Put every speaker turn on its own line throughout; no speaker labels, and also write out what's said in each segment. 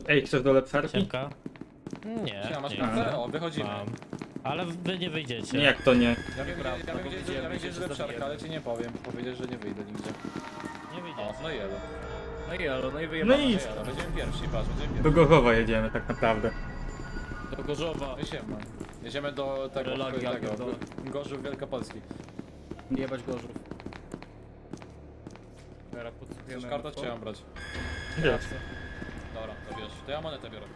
Ej, chcesz do lepszarki?
Siemka? Nie,
Siema, masz
nie.
kafę? O, wychodzimy.
Mam. Ale wy nie wyjdziecie.
Nie, jak to nie?
Ja wiem, gdzie jest lepszarka, ale ci nie powiem. Powiedziesz, że nie wyjdę nigdzie.
Nie
O,
wyjdziecie.
no i elo.
No i elo, no i
No
wyjebane.
i
Elo, będziemy pierwsi, patrz, będziemy
do
pierwsi.
Gorzowa jedziemy tak naprawdę.
Do Gorzowa.
No i siema. Jedziemy do tego,
Relagi, ja pierdolę.
Gorzów Wielkopolski.
Jebać Gorzów. Teraz podsłuchujemy.
Chcesz kartę, czy ja mam brać?
Wiesz,
Dobra, to wiesz. To ja monetę biorę.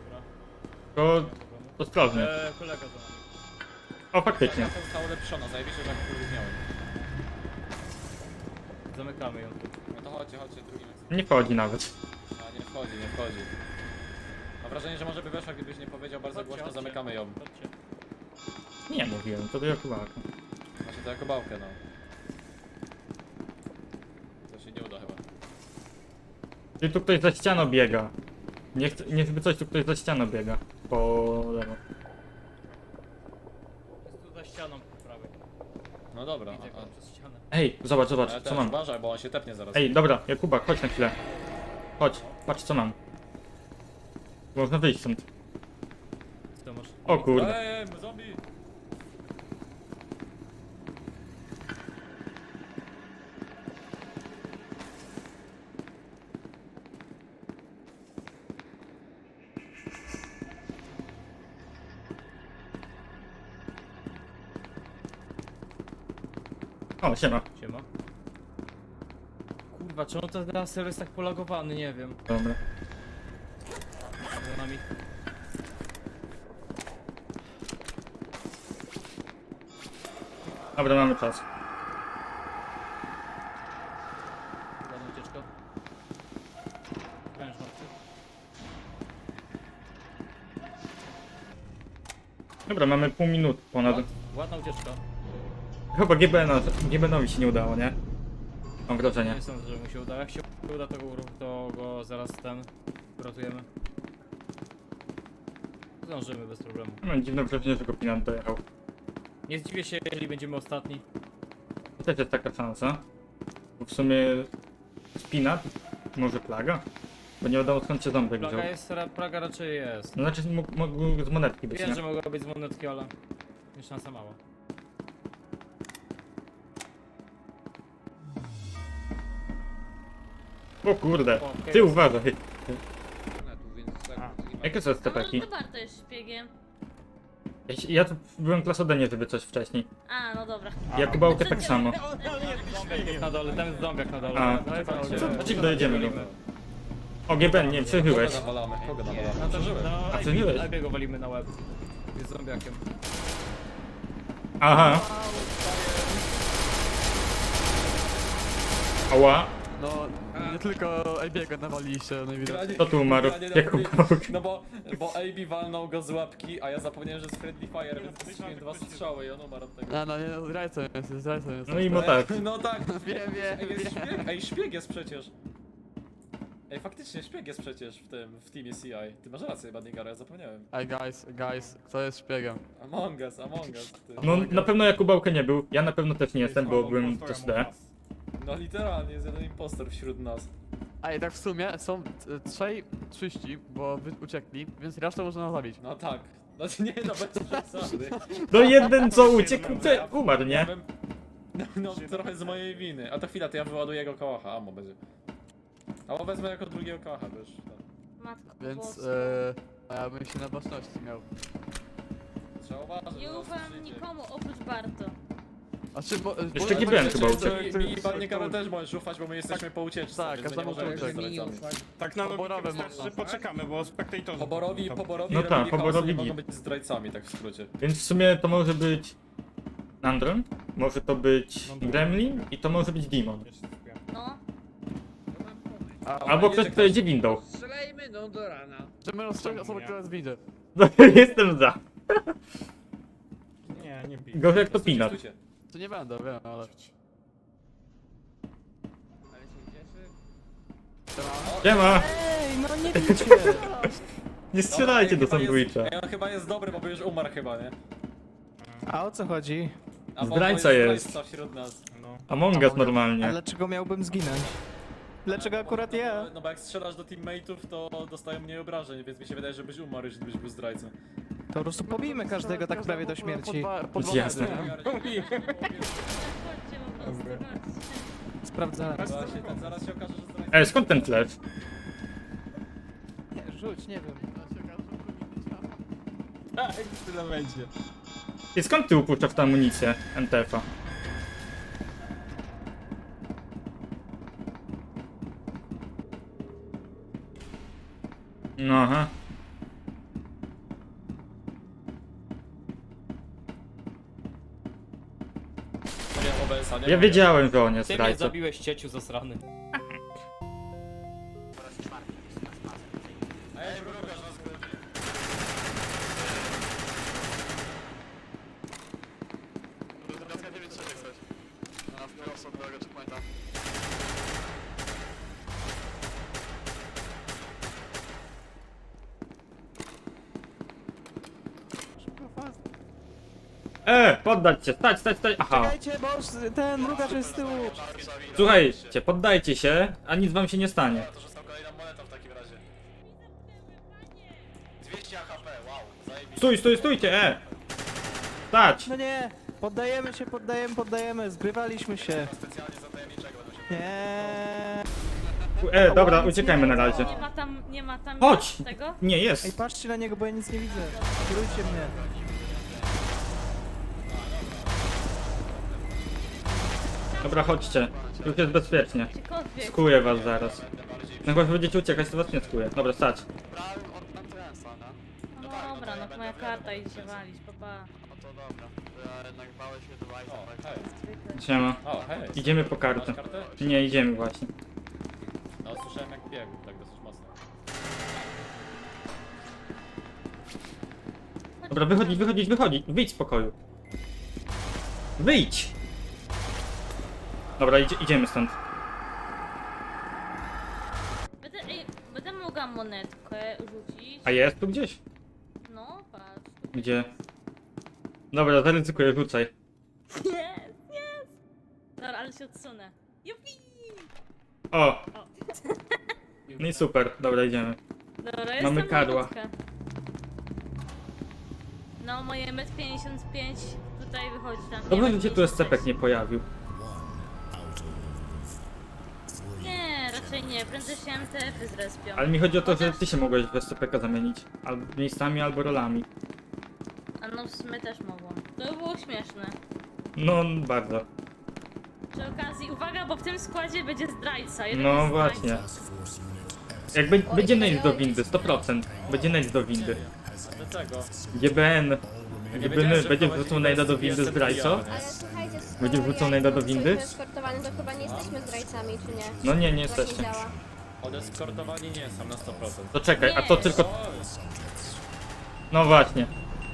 to sprawdźmy.
Kolega za nami.
O, faktycznie.
Karta została ulepszona, zajebiście, że tak miałem.
Zamykamy ją.
No to chodźcie, drugim.
Nie wchodzi nawet.
A, nie wchodzi. Mam wrażenie, że może by weszła, gdybyś nie powiedział bardzo
Chodźcie,
głośno,
chodźcie.
zamykamy ją.
Chodźcie.
Nie mówiłem, to do Jakubaka.
Znaczy to jako bałkę, no. To się nie uda chyba.
Czyli tu ktoś za ścianą biega. Nie chcę, nie żeby coś, tu ktoś za ścianą biega. Po lewo.
Jest tu za ścianą po prawej.
No dobra,
Widzę go przez ścianę.
Ej, zobacz,
ale
co
też
mam.
uważaj, bo on się tepnie zaraz.
Ej, dobra, Jakubak, chodź na chwilę. Chodź, patrz co mam. Można wyjść stąd.
Co masz?
O kurde.
Ej, zombie!
O, siema.
Siema. Kurwa, czemu to teraz serwer jest tak polagowany, nie wiem.
Dobra.
Za nami.
Dobra, mamy czas.
Ładna ucieczka. Wręcz martwy.
Dobra, mamy pół minuty ponad.
Ładna ucieczka.
Chyba GBN-owi się nie udało, nie? Mam wrażenie.
Nie sądzę, że mu się uda. Jak się uda, to go zaraz uratujemy. Zdążymy bez problemu.
Mam dziwne wrażenie, że go Pinat dojechał.
Nie zdziwię się, jeżeli będziemy ostatni.
To też jest taka szansa. Bo w sumie Spinat, może Plaga? Bo nie wiadomo skąd się ząbek wziął.
Praga raczej jest.
No znaczy mógł z monetki być,
Wiem,
nie?
że mogła być z monetki, ale jest szansa mała.
O kurde,
O, okej.
ty uważaj.
A.
Jakie są
A może
stepeki?
to Barto jest szpiegiem?
Ja tu byłem klasodenie, żeby coś wcześniej.
A, no dobra.
Jakubałkę tak samo.
Zombiak na dole, ten zombiak na dole.
A,
Czekajcie.
Znaczy dojedziemy go. O, GBN, nie, przeżyłeś.
Kogo nawalamy?
No to
Przeżyłem.
no,
przeżyłeś?
Ejbiego go walimy na łeb. Jest zombiakiem.
Aha. Ała,
No, nie tylko Ebiego nawaliliście najwidoczniej.
kto tu umarł? Jakubałek.
No bo AB walnął go z łapki, a ja zapomniałem, że jest Friendly Fire, więc strzeliłem 2 strzały i on umarł od tego.
A no nie, no, zdrajcą jest, zdrajcą jest.
No i mo tak.
No tak.
Wiem,
Ej, jest
wiem.
szpieg. Ej, szpieg jest przecież. Ej, faktycznie szpieg jest przecież w teamie CI. Ty masz rację, Badnigaro, ja zapomniałem.
Ej guys, kto jest szpiegiem?
Among Us, ty.
No na pewno Jakubałkę nie był, ja na pewno też nie jestem, bo byłem też D.
No literalnie jest jeden impostor wśród nas.
Ej, tak w sumie są trzej czyści, bo wy uciekli, więc resztę można zabić.
No tak. No nie, no bez przesady.
No jeden co uciekł, umarł,
Ja
nie?
bym... No trochę z mojej winy. A to chwila, to ja wyładuję jego kołacha, amo będzie. Albo wezmę jako drugiego kołacha, wiesz.
Matko
Więc
boska.
a ja bym się na baczności miał.
Trzeba uważać.
Nie
że
ufam
życie.
nikomu oprócz Barto.
A czy bo,
Jeszcze
bo-
GBN chyba
czy-
uciekł.
czy-
Mi i
czy-
Badnikaro też możesz ufać, bo my jesteśmy po ucieczce.
tak,
więc my nie
każdemu
możemy być
uciec.
zdrajcami.
Tak na
Poborowe
logikę wystarczy,
można.
że poczekamy, bo spektatorzy...
Poborowi
No tak,
robili
poborowi
chaos, nie
git.
mogą być zdrajcami, tak w skrócie.
Więc w sumie to może być Nandron, może to być Gremlin i to może być Demon.
No.
Albo ktoś, kto jedzie windą.
Strzelajmy no do rana.
Czy my rozstrzygamy
Czemu
osobę,
nie?
która jest widzę?
No, jestem za.
Nie bij.
Gorzej jak to Pinat.
Stójcie.
To nie będę, wiem, ale...
Ale się cieszy.
Siema!
Ej, no nie bijcie!
Nie strzelajcie do sandwicha.
Ej, on chyba jest dobry, bo już umarł chyba, nie?
A o co chodzi?
A bo
Zdrajca
to
jest.
zdrajca wśród nas.
No.
Among Us normalnie.
A dlaczego miałbym zginąć? Dlaczego akurat ja?
No bo jak strzelasz do teammateów, to dostają mniej obrażeń, więc mi się wydaje, że byś umarł, jeśli byś był zdrajcą.
To po prostu pobijmy każdego tak prawie do śmierci.
Jasne.
Chodźcie po prostu, chodźcie.
Sprawdzałem.
Zaraz się okaże, że zdrajca.
Ej, skąd ten flash?
Nie, rzuć, nie wiem.
Tak, tyle będzie.
I skąd ty upuszczasz tę amunicję MTF-a? No aha.
Nie mam OBS-a, nie
Ja
mam.
wiedziałem, że on jest
Ty mnie
zdrajcą.
zabiłeś, cieciu zasrany.
Ej, mrugasz na sklepie.
Poddać się, stać, stać, stać. Aha.
Czekajcie, bo ten mrugacz jest z tyłu.
Słuchajcie, poddajcie się, a nic wam się nie stanie.
To została kolejna moneta w takim razie. 200 AHP, wow, zajebiście.
Stójcie, Stać!
No nie, poddajemy, zgrywaliśmy się.
Specjalnie za tajemniczego będą się...
Nie.
Dobra, uciekajmy na razie.
Nie ma tam
Chodź!
tego?
Nie,
Ej,
jest.
patrzcie na niego, bo ja nic nie widzę. Kierujcie mnie.
Dobra, chodźcie. Już jest bezpiecznie.
Gdziekolwiek.
Skuję was zaraz. No chyba, że będziecie uciekać, to was nie skuję. Dobra, stać.
No dobra, no to moja karta idzie się walić, papa.
O, hej.
Zwykle.
Siema.
O, hej.
Idziemy po kartę.
Masz kartę?
Nie, idziemy właśnie.
No, słyszałem jak biegł, tak dosyć mocno.
Dobra, wychodzić. Wyjdź z pokoju. Wyjdź! Dobra, idziemy stąd.
Będę mogła monetkę rzucić.
A jest tu gdzieś?
No, patrz.
Gdzie? Dobra, zaryzykuję, rzucaj.
Jest! Dobra, ale się odsunę. Jupi!
O! No i super, dobra, idziemy.
Dobra,
Mamy
jestem
karła.
malutka. No, moje 1,55 m tutaj wychodzi tam.
Dobrze,
nie
że się
ma
tu SCP
56.
nie pojawił.
Nie, raczej nie. Prędzej się MTF-y zrespią.
Ale mi chodzi o to, że
Chociaż-
ty się mogłeś w SCP zamienić. Albo miejscami, albo rolami.
A no, w sumie też mogłam. To by było śmieszne.
No, bardzo.
Przy okazji, uwaga, bo w tym składzie będzie zdrajca. Jeden
No
jest
właśnie.
zdrajcą.
Jak będzie najdź do windy, 100%. Będzie najdź do windy.
Dlaczego?
GBN. GBN
że
będzie
wprowadzi
wrzucał najda do windy
jestem
zdrajco?
pijany.
Ale słuchajcie,
Będzie wrzucał najda do windy?
Eskortowany, to chyba nie jesteśmy zdrajcami, czy nie?
No nie, nie
Tak
jesteście.
działa.
Odeskortowani nie są na 100%.
To czekaj, a
Nie.
to tylko... No właśnie.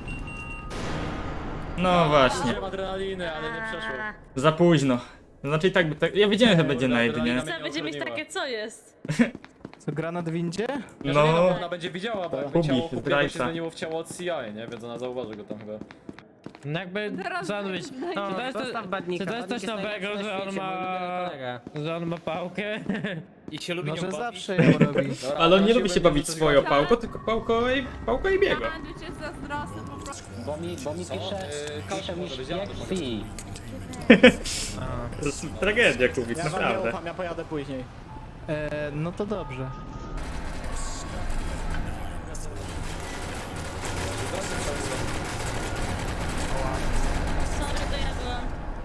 No właśnie.
Wziąłem adrenaliny, ale nie przeszło.
Za późno. Znaczy i tak by tak... Ja wiedziałem, że będzie najd, nie?
Chcę będzie mieć takie, co jest?
Co, granat w windzie?
No. Bo
No...
ona będzie widziała, bo jakby
Kubik,
ciało kupiego się
zdrajca.
zmieniło w ciało od CI, nie? Więc ona zauważy go tam chyba.
No jakby, co on być? Czy to jest coś nowego, że on ma pałkę?
I się lubi
No,
nią
że
bawić.
zawsze ją robi.
Dobra,
Ale on
ona
nie lubi się
będzie
bawić
coś
swoją
gadać.
pałką, tylko pałką i biego.
Bo mi
Co?
pisze mi
może być
jak
auto,
fi.
To jest tragedia, Kubik, naprawdę.
ja pojadę później. No to dobrze.
Sorry, to ja byłam.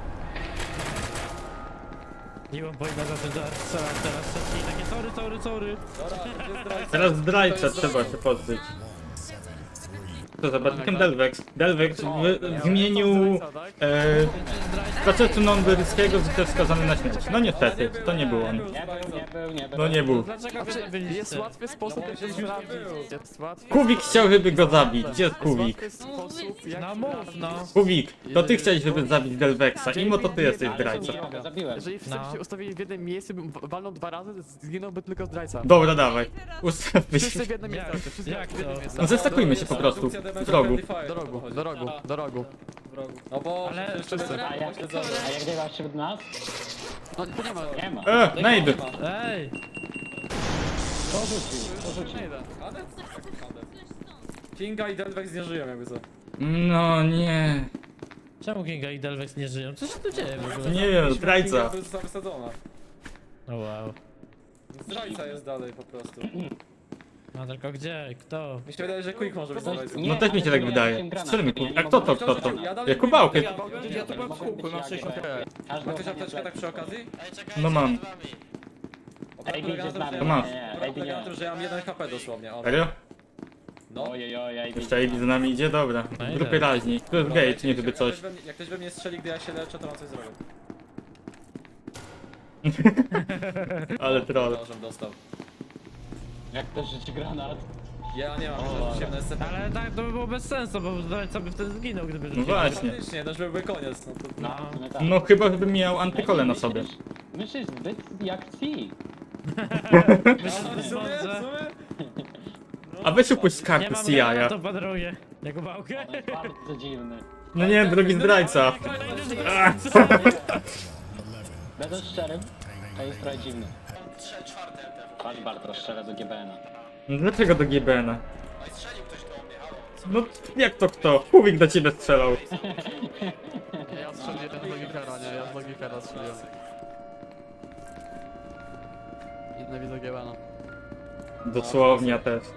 Nie mam pojęcia za to, że strzelam teraz wszystkie i takie sorry.
Dobra, to jest zdrajca.
Teraz zdrajca
To jest
trzeba się pozbyć. To za bardzikiem Delvex. Delvex w imieniu procesu non-brytyjskiego został skazany na śmierć. No niestety, to nie był on.
Nie był.
No nie był.
Dlaczego wy
Jest
zabiliście?
łatwy sposób, jak
się
to
już
sprawdzić.
nie było.
Jest łatwy
Kubik chciał, żeby go zabić. Gdzie jest Kubik?
łatwy sposób, jak
No mów,
sprawdzić.
no.
Kubik, to ty chciałeś, żeby zabić Delvexa. Imo to ty jesteś zdrajcą.
Zabiłem.
Jeżeli wszyscy
No.
się ustawili w jednym miejscu, bym walnął 2 razy, zginąłby tylko zdrajca.
Dobra, dawaj. Ustawmy się.
Wszyscy w jednym miejscu, wszyscy
Jak
w jednym
to?
miejscu.
No zestakujmy się po prostu. W rogu.
Do rogu.
No bo...
Ale-
jeszcze
Wszyscy.
będę
A jak
pośledzony.
nagrywasz wśród nas?
No to nie ma.
Nie ma.
Najdę.
Ej!
Porzucił.
Nie da.
Kadet? Jak kadet? Kinga i Delvex nie żyją jakby co.
No nie.
Czemu Kinga i Delvex nie żyją? Co się tu dzieje w ogóle?
Nie wiem,
Kinga
zdrajca.
została wysadzona.
O wow.
Zdrajca jest dalej po prostu.
No tylko gdzie? Kto?
Mi się wydaje, że Quick może być zdrajcą.
No też mi się tak
ale
wydaje.
ja granat.
Strzelmy,
Ja nie
a kto to,
mogę-
kto to?
Ja dalej
Jakubałkę.
Ja to byłem w kółku, na 60.
Ma ktoś apteczkę tak przy okazji?
No mam.
Obrad
Ej,
polega na
idzie z
tym,
nami.
że
To masz.
Nie,
obrad
Ej,
polega na
nie.
tym, że ja mam 1 HP dosłownie. O,
Serio?
no.
Ojej,
Jeszcze AB z nami idzie? Dobra.
No i
Grupy
tak.
raźni. Tu jest
Dobra,
gate, nie żeby coś.
Jak ktoś we mnie strzeli, gdy ja się leczę, to mam coś zrobić.
Ale troll.
Nożem dostał.
Jak to rzuci granat?
Ja nie mam,
O,
że rzuciłem na SCP.
Ale tak to by było bez sensu, bo zdrajca by wtedy zginął, gdyby rzucił.
No właśnie.
Faktycznie, to już byłby koniec. No to...
No, w sumie tak.
No chyba, żebym miał antykole na sobie.
Myślisz zbyt jak ci.
W sumie, w sumie?
A weź upuść z
Nie
karty
mam
CIA.
to padruje. Jakubałkę?
On jest bardzo dziwny.
No nie, drugi zdrajca.
Będę szczerym, to jest trochę dziwny. Patrz Bartosz, strzela do GBN-a.
Dlaczego do GBN-a? No jak to kto? Kuwik do ciebie strzelał.
Ja strzeliłem z Logikera, nie? Ja z Logikera strzeliłem. Nienawidzę Giebana.
Dosłownie ja też.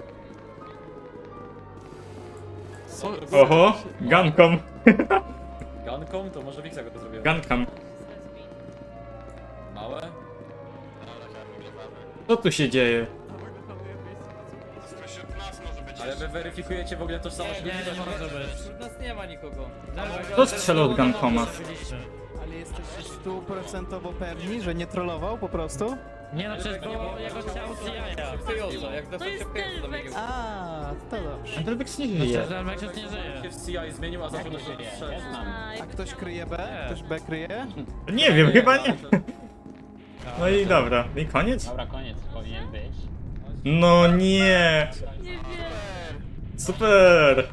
Co?
Oho, gankom.
Ganką? To może Wiksa go to zrobiła.
Gankam.
Małe?
Co tu się dzieje?
Spośród nas może być.
Ale wy weryfikujecie w ogóle tożsamość ludzi?
Nie może być.
Wśród nas nie ma nikogo.
Kto strzelał od gankoma?
Ale jesteście stuprocentowo pewni, że nie trollował po prostu?
Nie no, przecież było jego ciało z jaja.
Kryjąco, jak
To jest Delvex.
A, to dobrze.
Delvex nie żyje.
Przecież Delvex już nie
się
żyje.
w CI zmienił, a zaczął do siebie
Ja
strzelać.
znam.
A ktoś kryje B? Ktoś B kryje?
Nie wiem, chyba nie. No i dobra, i koniec?
Dobra, koniec powinien być.
No nie.
Nie wiem.
Super.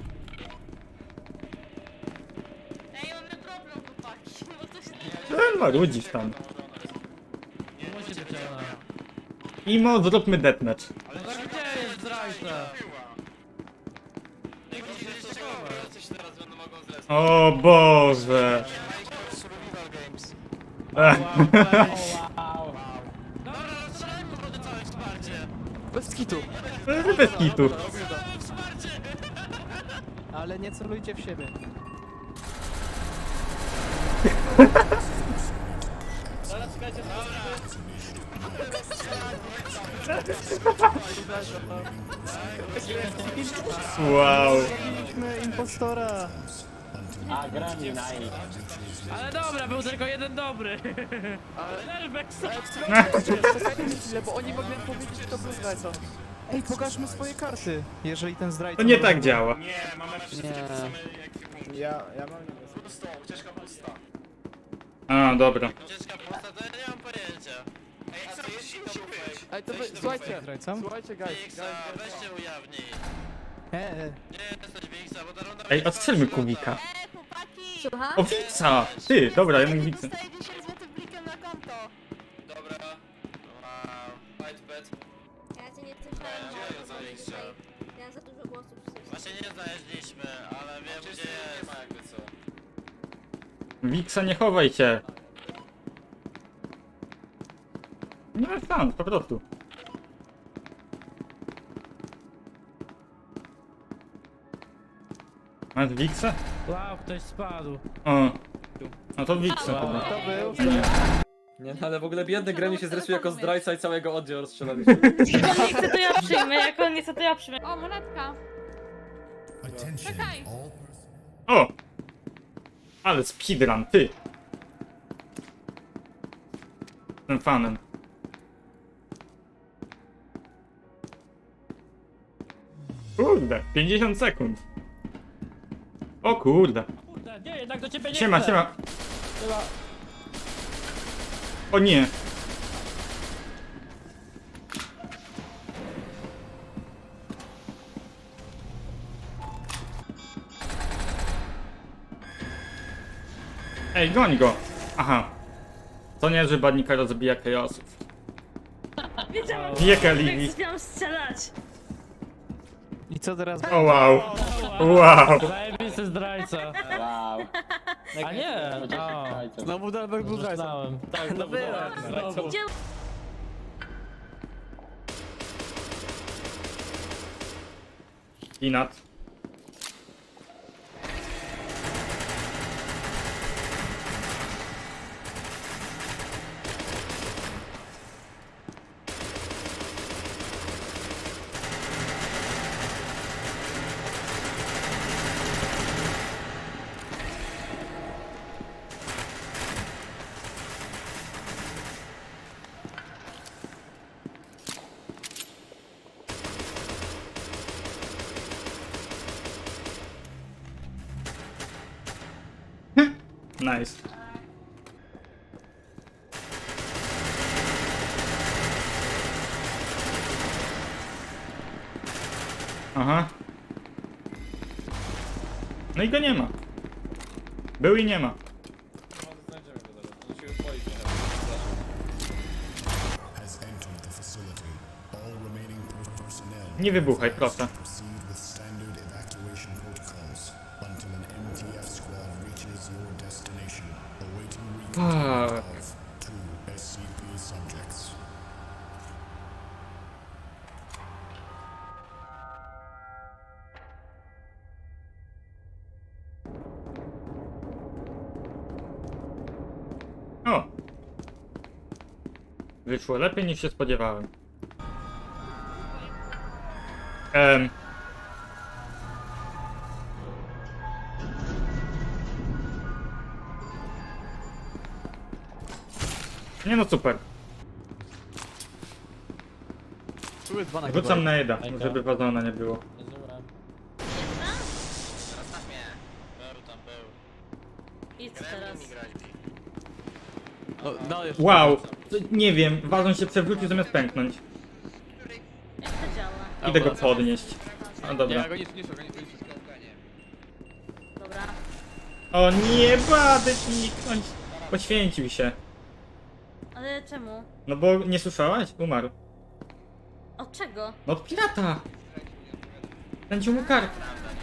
Ej, mamy problem, chłopaki. Bo to się...
Marudzisz tam.
Musi być ona.
Imo, zróbmy deathmatch.
No tak gdzie jest zdrajca?
O Boże. Ech.
Bez kitu.
Bez kitu.
Ale nie celujcie w siebie.
Wow.
Zabiliśmy impostora.
A, grani na i.
Ale dobra, był tylko jeden dobry. Delvex.
Czekajcie chwilę, bo oni mogli powiedzieć, że to był zdrajca.
Ej, pokażmy swoje karty, jeżeli ten zdrajca...
To nie
może
tak
być.
działa.
Nie, mamy wszystkie
Nie.
te same ekwipunki.
Ja mam niebieski.
Pusto, ucieczka pusta.
A, dobra.
Ej, co jeśli musi być?
Ej, to wy, słuchajcie,
Zdrajcą?
słuchajcie, guys.
Ej, odstrzelmy Kuwika.
Chłopaki! Słucham?
O, Wiksa! Ty, dobra, jednak Wiksa.
Dostaję 10 zł blikiem na konto. Ja cię nie słyszałem. Ja mam za dużo głosów.
Wiksa, nie chowaj się. No tam, po prostu. Masz Wiksa?
Wow, ktoś spadł.
O. No to Wiksa chyba.
To był...
Nie, no ale w ogóle biedny Gremlin się zrespił jako zdrajca i całego oddziału rozstrzelaliśmy.
Jak on nie chce, to ja przyjmę. Jak on nie chce, to ja przyjmę.
O, monetka. Czekaj.
O! Ale speedrun, ty! Jestem fanem. Kurde, 50 sekund. O kurde.
Kurde, nie, jednak do ciebie nie
Siema,
chcę.
siema. O nie. Ej, goń go. Aha. To nie, że Badnikaro zabija chaosów.
Wiedziałam,
Wieka
że
Livi.
miałam strzelać.
I co teraz?
O wow. Wow.
Zajebisty zdrajca.
Wow.
A nie! O,
Znowu Delvex był zdrajcą.
myślałem.
Tak, no była.
Gdzie...
Inat. Nice. Aha. No i go nie ma. Był i nie ma.
Znajdziemy go zaraz. On się już boi trochę.
Nie wybuchaj, proszę. Fuck. O! Wyszło lepiej niż się spodziewałem. Nie no super.
Tu jest 2 na
Wrzucam na Eda,
Ejka.
żeby wazona nie było.
Zdążyłem.
Zostaw mnie. Był tam, był.
Idź teraz.
No, jeszcze.
Wow! Nie wiem, wazon się przewrócił zamiast pęknąć.
Jak to działa?
Idę go podnieść. No
Nie,
dobra.
go nie niszczę, go nie niszczę.
Dobra.
O nie, Badek niknąć! Poświęcił się.
Ale czemu?
No bo nie słyszałaś? Umarł.
Od czego?
No od pirata! Pędził mu kark.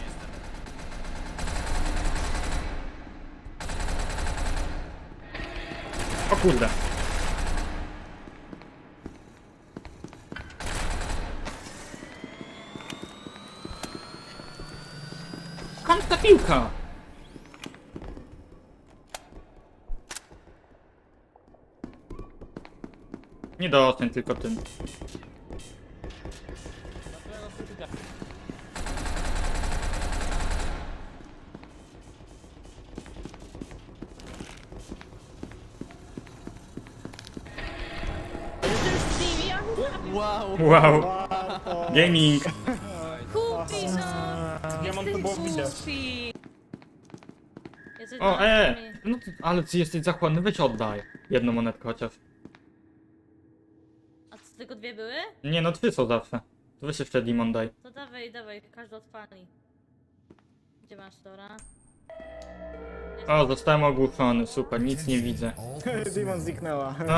O kurde. Skąd ta piłka? Nie dostań tylko tym.
Wow.
Wow. Gaming.
Kupi, no! Ja mam to było widać.
O, no ty, ale ty jesteś zachłanny, weź oddaj. Jedną monetkę chociaż.
A co, tylko dwie były?
Nie no, 3 są zawsze. To weź jeszcze Demon daj.
To dawaj, dawaj, każdy odpali. Gdzie masz Dora?
O, zostałem ogłuszony, super, nic nie widzę.
Demon zniknęła.
No.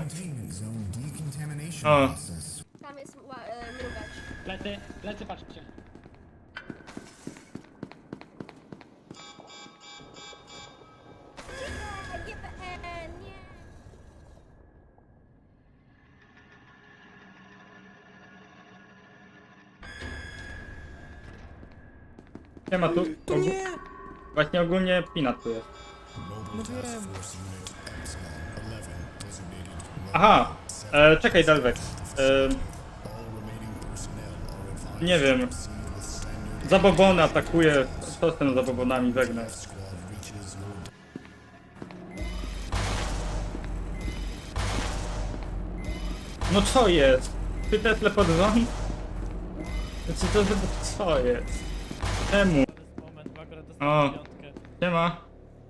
O,
Tam jest mrugacz.
Lecy, patrzcie.
Nie, nie.
nie ma tu. Właśnie ogólnie Pinat tu jest. Aha, czekaj Delvex. Nie wiem. Zabobony atakuje. Co z tym zabobonami wegnę? No co jest? Ty Tesla pod rząd? Znaczy to co jest? Czemu?
Moment, bo akurat
O.
dostałem piątkę.
Nie ma.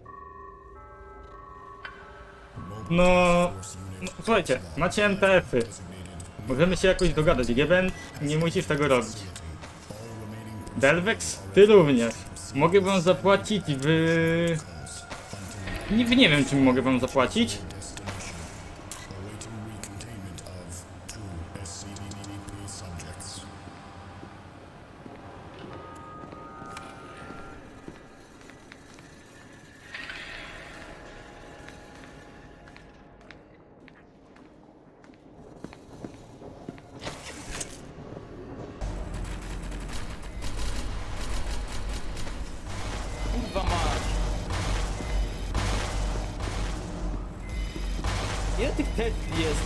No, słuchajcie, macie NTF-y. Możemy się jakoś dogadać. GBN, nie musisz tego robić. Delvex, ty również. Mogę wam zapłacić w... Nie wiem czym mogę wam zapłacić.
tych Tetli jest?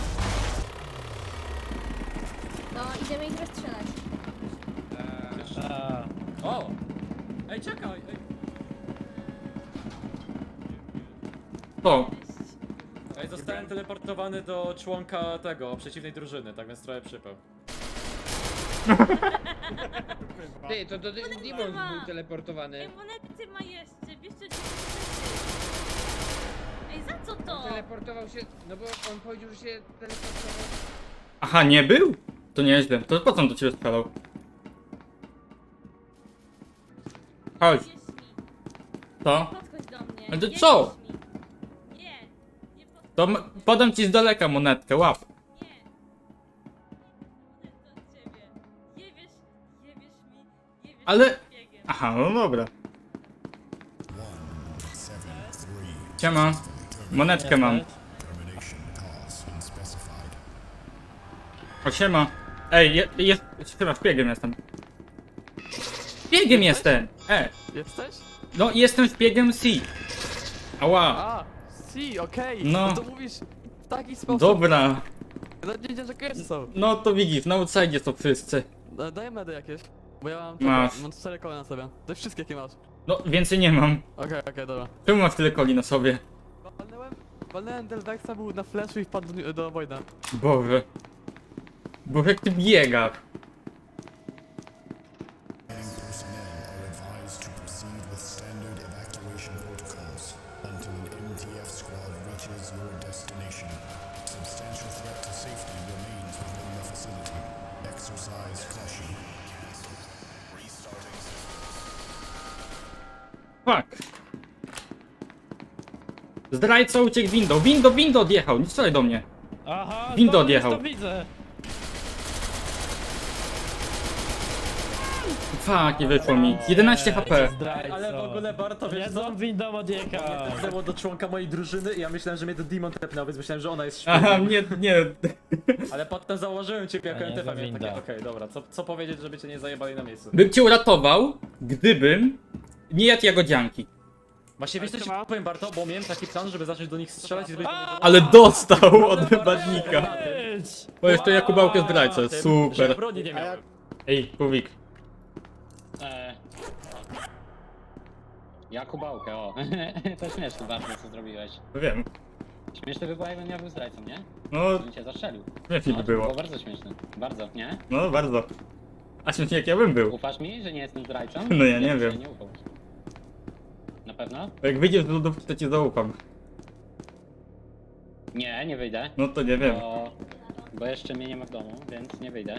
No, idziemy ich rozstrzelać.
A,
O! Ej, czekaj! Ej.
O,
Ej, zostałem teleportowany do członka tego, przeciwnej drużyny, tak więc trochę przypał.
Ty, to Demon był teleportowany. Ej, monety ma jeszcze, bierzcie Ej, za co to? Teleportował się, no bo on powiedział, że się teleportował.
aha, nie był? To nieźle. To po co on do ciebie strzelał? Chodź,
Wierz mi,
to?
podchodź do mnie.
Ale to
nie
co?
wierz mi. Nie, nie podchodź.
To podam ci z daleka monetkę, łap.
Nie. Monetę od ciebie. Nie wierz mi, nie wierz
Ale-
mi, szpiegiem.
Aha, no dobra. Siema. Monetkę mam. O, siema. Ej, jest... Chyba szpiegiem jestem. Szpiegiem jestem!
Jesteś?
No, jestem szpiegiem C. Ała.
A, si, okej.
No.
No to mówisz w taki sposób.
Dobra.
No nie wiedziałem, że kojarzy są.
No to widzisz, na outside są wszyscy.
Daj medy jakieś. Bo ja mam,
Masz.
mam 4 koła na sobie. To jest wszystkie jakie masz.
No, więcej nie mam.
Okej, dobra.
Czemu masz tyle coli na sobie?
Walnąłem Delvexa, był na flashu i wpadł do Voida.
Boże. Boże, jak ty biegasz. Fuck. Zdrajca uciekł window. Window odjechał. Nie strzelaj do mnie.
aha,
Window
to
odjechał.
To widzę.
Fuck, nie wyszło mi. 11 HP.
Zdrajco.
Ale w ogóle Barto, wiesz co?
Jedzą windą odjechał.
Tepnęło do członka mojej drużyny i ja myślałem, że mnie to Demon tepnął, więc myślałem, że ona jest
Aha,
szpiegiem.
nie.
Ale potem założyłem ciebie jako
A nie,
NTF,
to
miałem takie,
winda.
okej, dobra, co powiedzieć, żeby cię nie zajebali na miejscu?
Bym cię uratował, gdybym nie jadł jagodzianki.
Właśnie wiesz co ci powiem Barto, bo miałem taki plan, żeby zacząć do nich strzelać i zrobić do nich...
Ale dostał od badnika.
Być.
Bo jeszcze Jakubałkę zdrajcę,
Że
super.
broni nie miałem.
Ej, Kubik.
Jakubałkę, o. To śmieszne bardzo, co zrobiłeś.
Wiem.
Śmieszne by było, jakbym ja był zdrajcą, nie?
No,
Bym cię zastrzelił.
śmiesznie by było.
Było bardzo śmieszne. Bardzo, nie?
No, bardzo. A śmiesznie jak ja bym był.
Ufasz mi, że nie jestem zdrajcą?
No ja nie
bym
wiem.
ci Nie ufał. Na pewno?
Bo jak wyjdziesz do lodówki, to ci zaufam.
Nie, nie wyjdę.
No to nie wiem.
Bo jeszcze mnie nie ma w domu, więc nie wyjdę.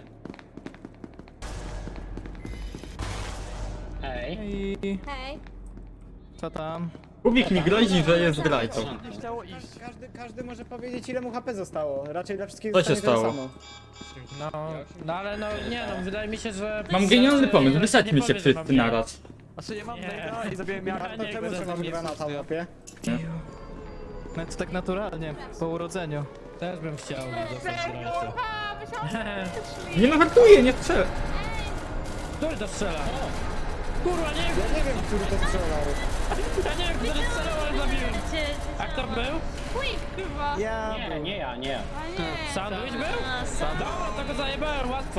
Hej.
I...
Hej.
Co tam?
Kubik mi grozi, że jest zdrajcą.
Nie chciało iść.
Każdy może powiedzieć, ile mu HP zostało. Raczej dla wszystkich
Co się
zostanie tyle
stało?
samo.
No ale no nie no, wydaje mi się, że...
Mam genialny pomysł,
Nie
wysadźmy się
powiem, że mam
wszyscy naraz.
Znaczy nie mam
Nie.
Blade'a i zabiłem
Ja
Jaka.
To
nie,
czemu
będę
trzeba
nie
granata w łapie?
No to tak naturalnie, po urodzeniu.
Też bym chciał zostać zdrajcą.
Nie no, hartuję, nie strzelę.
Który to strzela? Kurwa, nie wiem,
Ja nie wiem, który to strzelał.
ja nie wiem, który strzelał, ale zabiłem. A kto był?
Quick chyba.
Ja
Nie, nie ja, nie ja.
A nie.
Sandwich był?
A, sam.
Dobra, to go zajebałem, łatwo.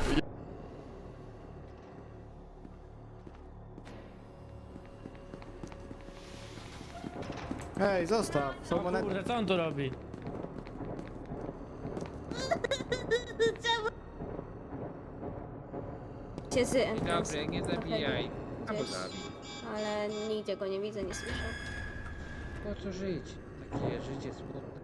Hej, zostaw. Są
O
monety.
kurde, co on tu robi?
Cię z Entrosem.
Dobry, nie zabijaj.
Gdzieś, ale nigdzie go nie widzę, nie słyszę.
Po co żyć? Takie życie smutne.